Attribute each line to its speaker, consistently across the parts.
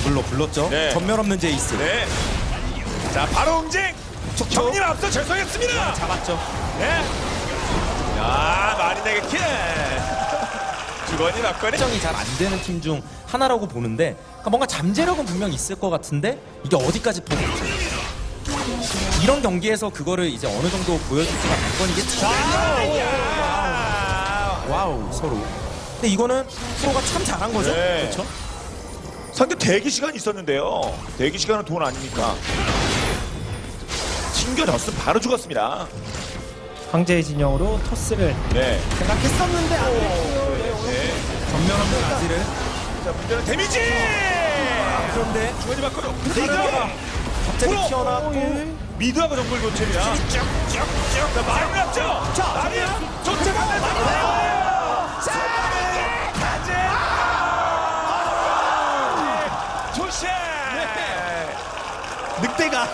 Speaker 1: 더블로 불렀죠.
Speaker 2: 네.
Speaker 1: 전멸 없는 제이스.
Speaker 2: 네. 자, 바로 응징. 형님 앞서 죄송했습니다.
Speaker 1: 잡았죠.
Speaker 2: 네. 야, 마린에게 킬. 주거니 막거니.
Speaker 1: 결정이 잘 안 되는 팀 중 하나라고 보는데, 그러니까 뭔가 잠재력은 분명 있을 것 같은데 이게 어디까지 보겠지. 이런 경기에서 그거를 이제 어느 정도 보여줄지가 관건이겠죠. 와우, 서로. 근데 이거는 프로가 참 잘한 거죠.
Speaker 2: 네.
Speaker 1: 그렇죠?
Speaker 2: 상대 대기 시간이 있었는데요. 대기 시간은 돈 아닙니까? 튕겨졌으면 바로 죽었습니다.
Speaker 3: 황제의 진영으로 토스를
Speaker 2: 네.
Speaker 3: 생각했었는데 안
Speaker 1: 전면 없는 아지를.
Speaker 2: 자, 문제는 데미지!
Speaker 1: 그런데
Speaker 2: 주거니 막거니.
Speaker 1: 갑자기
Speaker 2: 프로!
Speaker 1: 튀어나왔고
Speaker 2: 미드하고 정글 교체입니다. 쭉쭉쭉. 자, 마린 앞죠? 자, 마린! 쫓아가! 마린! 조시!
Speaker 1: 늑대가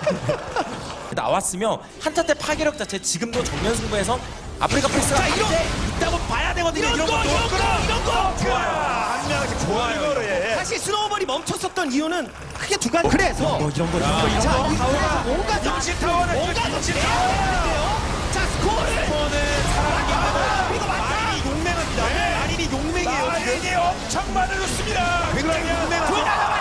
Speaker 1: 나왔으면 한타 때 파괴력 자체 지금도 정면 승부에서 아프리카 프리스가 있다고 봐야 되거든요. 이런 것도
Speaker 2: 이런 거! 한 명씩 좋아요. 이거를, 예.
Speaker 3: 사실 스노우볼이 멈췄었던 이유는 크게 두 가지. 그래서
Speaker 1: 이런 거
Speaker 3: 자, 이 타워가 뭔가
Speaker 2: 임시 타워는
Speaker 3: 뭔가
Speaker 2: 임시
Speaker 3: 더
Speaker 2: 타워.
Speaker 3: 자, 스코어를 그리고
Speaker 2: 마린이 용맹합니다. 마린이 용맹이에요. 마린이 엄청 많아졌습니다. 굉장히 용맹하죠.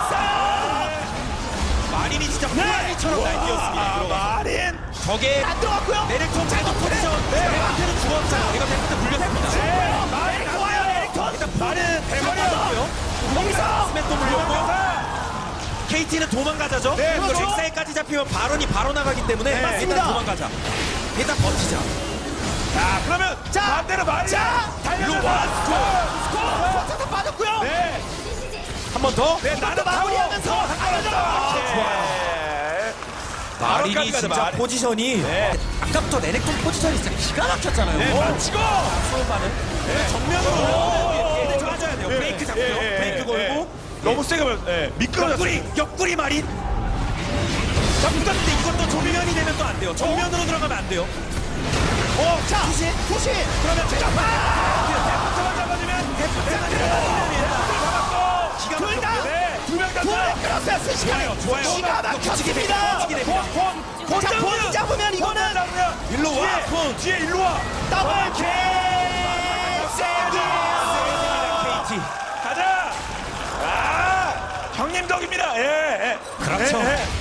Speaker 1: 마린이 진짜 호랑이처럼 날뛰었습니다.
Speaker 2: 마린.
Speaker 1: 저게
Speaker 3: 안 들어갔고요.
Speaker 1: 내렉톤 잘못 포지션. 대한테는 죽었잖아. 이거 대한테 물렸습니다.
Speaker 2: 마린 좋아요. 일단 마린 대머리였고요.
Speaker 3: 거기서
Speaker 1: 스맨도 물렸고. KT는 도망가자죠.
Speaker 2: 네,
Speaker 1: 그리고
Speaker 2: 그렇죠.
Speaker 1: 잭사이까지 잡히면 발언이 바로 나가기 때문에
Speaker 3: 맞습니다.
Speaker 1: 일단 도망가자. 일단 버티자.
Speaker 2: 자, 그러면 반대로 마린. 달려들어.
Speaker 3: 스코어 빠졌고요.
Speaker 2: 네.
Speaker 1: 한 번 더.
Speaker 2: 네, 나는
Speaker 3: 마무리하면서
Speaker 2: 좋아요.
Speaker 1: 마린이 진짜 포지션이
Speaker 2: 네.
Speaker 1: 아까부터 레넥톤 포지션이 진짜 기가 막혔잖아요.
Speaker 2: 네, 맞히고.
Speaker 1: 수업하는
Speaker 2: 정면으로.
Speaker 1: 얘네 좋아져야 돼요. 브레이크 잡고요. 브레이크 걸고
Speaker 2: 너무 세게 말. 미끄러졌어요.
Speaker 1: 옆구리 마린. 자, 근데 이것도 조면이 되면 또 안 돼요. 정면으로 들어가면 안 돼요.
Speaker 3: 자, 후시.
Speaker 2: 그러면 대포트만 잡아주면
Speaker 3: 둘 다.
Speaker 2: 두명 다.
Speaker 3: 끌었어요. 순식간에.
Speaker 2: 좋아요.
Speaker 3: 기가 막혔습니다. 자, 본 잡으면 이거는
Speaker 2: 일로 와. 뒤에 일로 와.
Speaker 3: 더블 킬.
Speaker 1: KT.
Speaker 2: 가자. 아, 형님 덕입니다. 예.
Speaker 1: 그렇죠.
Speaker 2: 예, 예.